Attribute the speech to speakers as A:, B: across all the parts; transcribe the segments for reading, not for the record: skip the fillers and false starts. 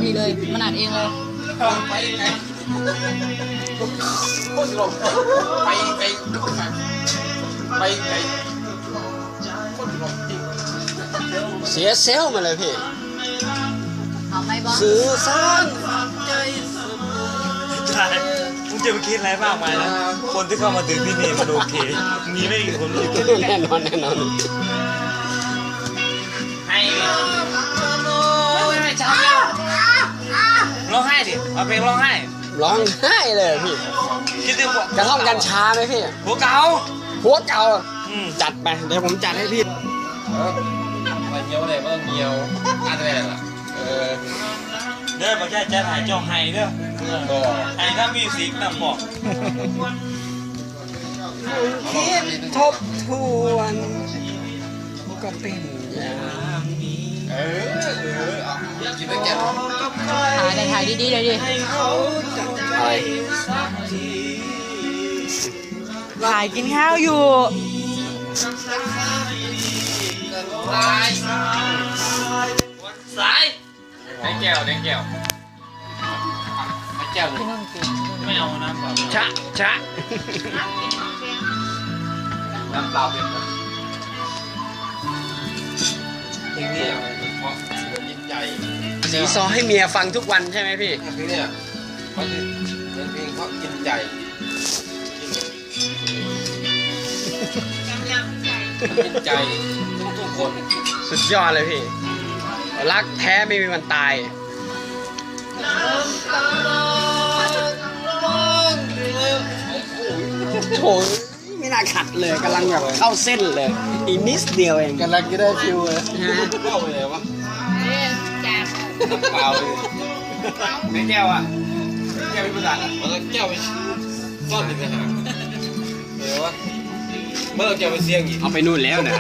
A: พี่เลยมันอัดเองเลย
B: ไปไงโคตรหลงไปไกลไปไกลโคตรหลงจริง
C: เสียเซลล์มาเลยพี่
A: เอาไหมบอส
C: สื่อสาร
D: ใช่มึงจะไปคิดอะไรมากมายนะคนที่เข้ามาถึงที่นี่มันโอเคมีไม่กี่คนที่
C: แน่นอนแน่นอน
D: ให้ไม่ช้าร้องไห้ดิเอาเพลงร้องไห้
C: ร้องไห้เลยพี่
D: คิดถึง
C: กระท่อมกัญชาไหมพี่
D: หัวเก่า
C: หัวเก่าจัดไปเดี๋ยวผมจัดให้พี่
B: มาเงี้ยวอะไรมาเงี้ยวอะไรล่ะ
D: เด้อมาแค่จะถ่ายเจ้าไห้เด้อไห้ถ้ามีสีนำบอก
C: คิดทบทวนก็เป็นอย่างนี้
B: กินได้แก่
A: ถ่ายดีๆเลยดิ
C: อะไร
A: ถ่ายกินข้าวอยู่
B: ตาย
D: สาย
B: ได้แก้วได้แก้วได้แก้ว
A: พี่นุ่นกิน
D: ไม่เอาน้ำเปล่า
C: ชะชะ
B: น้ำเปล่าเป็นเพลงนี้เพราะยินใจ
C: สีซอให้เมียฟังทุกวันใช่ไหมพี่
B: เพลงนี้เพราะเพลงเพราะยินใจยินใจทุกคน
C: สุดยอดเลยพี่ รักแท้ไม่มีวันตายโถไม่น่าขัดเลยกำลังแบบเข้าเส้นเลยอีกนิดเดียวเอง
B: กำลังจะได้ฟิวเลยเข้าไปเลยวะ
A: จาก
B: เปล่าเลยไม่แก้วอ่ะแก้วเป็นภาษามันก็แก้วไปซ่อนอยู่ในหางเดี๋ยววะเมื่อแก้วไปเสี่ยงอีก
C: เอาไปนู่นแล้วนะ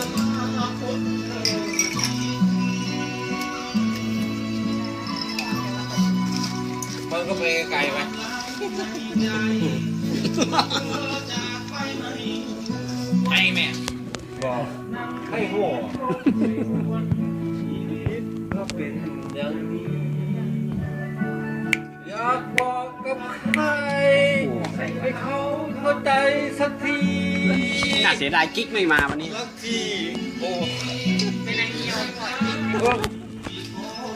B: มันก็ไปไกลไหม
D: ไอ้แม่
B: บอกให้โง่ชีวิตก็เป็นอย่างนี้อยากบอกกับใครให้เขาเข้าใจสักที
C: น่าเสียดายกิ๊กไม่มาวันนี้
B: สักทีโอ้
A: เป็นไงเหี่ยว
B: โอ้